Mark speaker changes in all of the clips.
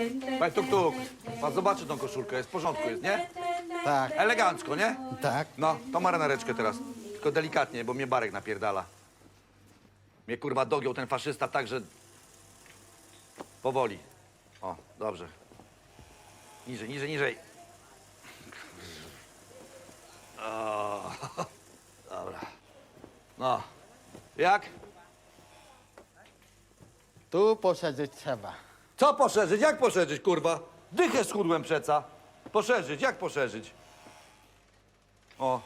Speaker 1: Panie Tuk-Tuk, pan zobaczy tą koszulkę, jest w porządku, jest, nie?
Speaker 2: Tak,
Speaker 1: Elegancko, nie?
Speaker 2: tak.
Speaker 1: No, to marynareczkę teraz. Tylko delikatnie, bo mnie Barek napierdala. Mnie kurwa dogiął ten faszysta tak, że... Powoli. O, dobrze. Niżej, niżej, niżej. O, dobra. No. Jak?
Speaker 2: Tu poszerzyć trzeba.
Speaker 1: Co poszerzyć? Jak poszerzyć, kurwa? Dychę schudłem przeca. Poszerzyć, jak poszerzyć? O.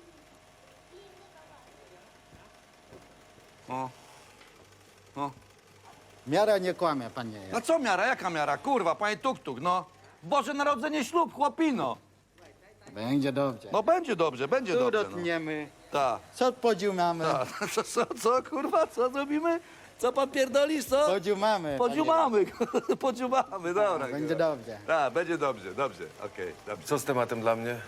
Speaker 1: O. O.
Speaker 2: Miara nie kłamie, panie.
Speaker 1: No co miara? Jaka miara? Kurwa, panie Tuk-Tuk, no. Boże Narodzenie, ślub, chłopino.
Speaker 2: Będzie dobrze.
Speaker 1: No będzie dobrze, będzie
Speaker 2: Tu
Speaker 1: dobrze. No.
Speaker 2: dotniemy.
Speaker 1: Tak.
Speaker 2: Co podziumamy?
Speaker 1: Ta. Co, kurwa, co zrobimy? Co pan pierdolisz, co?
Speaker 2: Podziumamy.
Speaker 1: Podziumamy, podziumamy, dobra.
Speaker 2: Będzie dobrze.
Speaker 1: Tak, będzie dobrze, dobrze, okej, dobrze.
Speaker 3: Co z tematem dla mnie?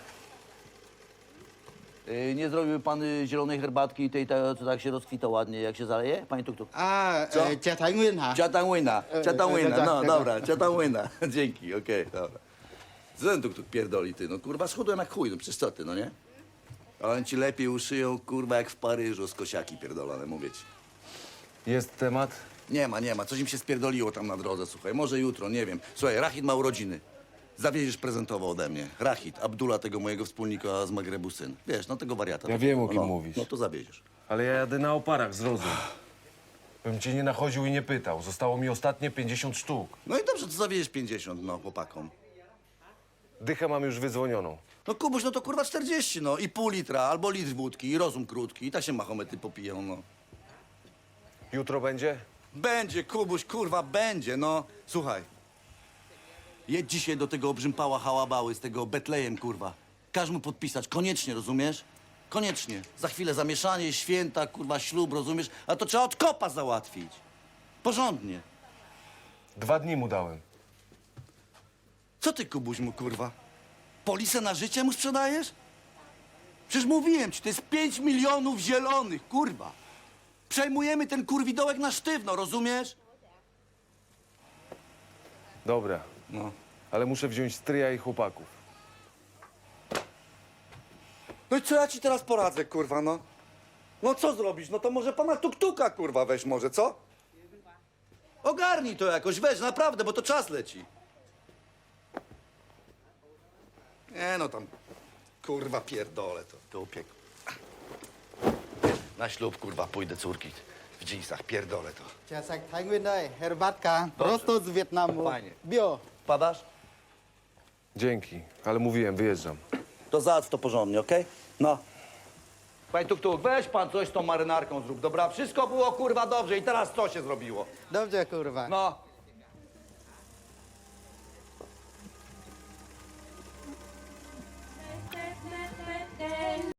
Speaker 4: Nie zrobił pan zielonej herbatki i tej, co tak się rozkwita ładnie, jak się zaleje? Panie Tuk-Tuk.
Speaker 2: A,
Speaker 1: Co?
Speaker 2: Ciatangwin, ha?
Speaker 1: Ciatangłyna,
Speaker 2: tak,
Speaker 1: no
Speaker 2: tak.
Speaker 1: dobra, ciatangłyna. Dzięki, okej, dobra. Co ten Tuk-Tuk pierdoli, ty? No kurwa, schudłem jak chuj, no przecież co ty, no nie? Ale oni ci lepiej uszyją, kurwa, jak w Paryżu z kosiaki pierdolone, mówię ci.
Speaker 3: Jest temat?
Speaker 1: Nie ma, coś im się spierdoliło tam na drodze, słuchaj, może jutro, nie wiem. Słuchaj, Rachid ma urodziny. Zawieziesz prezentowo ode mnie. Rachid, Abdullah, tego mojego wspólnika z Magrebu syn. Wiesz, no tego wariata.
Speaker 3: Ja wiem, o kim mówisz.
Speaker 1: No to zawieziesz.
Speaker 3: Ale ja jadę na oparach, zrozum. Bym cię nie nachodził i nie pytał. Zostało mi ostatnie 50 sztuk.
Speaker 1: No i dobrze, to zawieziesz 50, no, chłopakom.
Speaker 3: Dychę mam już wydzwonioną.
Speaker 1: No Kubuś, no to kurwa 40, no. I pół litra, albo litr wódki, i rozum krótki. I tak się Mahomety popiją, no.
Speaker 3: Jutro będzie?
Speaker 1: Będzie, Kubuś, kurwa, będzie, no. Słuchaj. Jedź dzisiaj do tego obrzympała hałabały z tego Betlejem, kurwa. Każ mu podpisać, koniecznie, rozumiesz? Koniecznie. Za chwilę zamieszanie, święta, kurwa, ślub, rozumiesz? A to trzeba od kopa załatwić. Porządnie.
Speaker 3: 2 dni mu dałem.
Speaker 1: Co ty, Kubuś, mu, kurwa? Polisę na życie mu sprzedajesz? Przecież mówiłem ci, to jest 5 milionów zielonych, kurwa. Przejmujemy ten kurwidołek na sztywno, rozumiesz?
Speaker 3: Dobra,
Speaker 1: No.
Speaker 3: ale muszę wziąć stryja i chłopaków.
Speaker 1: No i co ja ci teraz poradzę, kurwa, no? No co zrobić? No to może pana Tuk-Tuka, kurwa, weź może, co? Ogarnij to jakoś, weź, naprawdę, bo to czas leci. Nie no tam, kurwa, pierdolę to upiek. Na ślub, kurwa, pójdę córki w dżinsach, pierdolę to.
Speaker 2: Ciatangwin daj, herbatka. Prosto z Wietnamu.
Speaker 1: Fajnie.
Speaker 2: Bio.
Speaker 1: Padasz?
Speaker 3: Dzięki, ale mówiłem, wyjeżdżam.
Speaker 1: To załatw to porządnie, okej? No. Panie Tuk-Tuk, weź pan coś z tą marynarką zrób, dobra? Wszystko było, kurwa, dobrze i teraz co się zrobiło?
Speaker 2: Dobrze, kurwa.
Speaker 1: No.